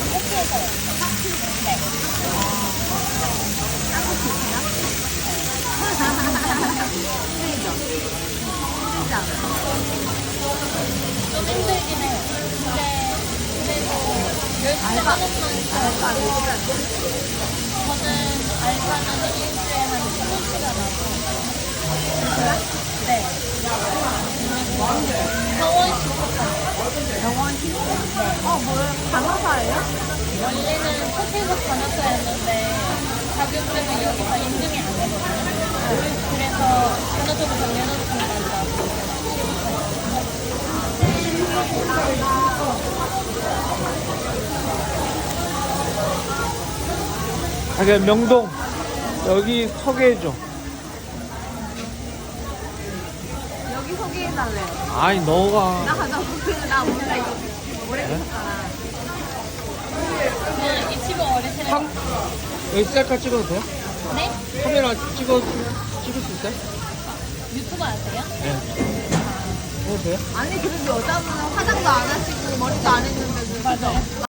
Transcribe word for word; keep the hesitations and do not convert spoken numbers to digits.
호피에서요. 네. 힘들죠? 힘들지 않아요? 좀 힘들긴 해요. 근데 그래도 열심히 하는 만큼 알바 일주일 안 돼? 저는 알바는 일주일에 한 스무 시간 하고 네. 병원 식사까지. 병원 식? 어, 뭐예요? 간호사예요? 원래는 호텔에서 간호사였는데 자격 때문에 여기서 인증이 안 되거든요. 그래서 간호사부터 내놓고 나서 아, 그냥 명동 여기 소개해줘. 여기 소개해달래요. 아니 너가 나 가자. 나 몰라, 이거. 오래 계셨잖아. 저는 이 친구 어리시는 상 여기 셀카 찍어도 돼요? 네? 카메라 찍어 찍을 수 있어요? 유튜버 아세요? 네. 해도 돼요? 아니, 그래도 여자분은 화장도 안 하시고 머리도 안 했는데. 맞아요.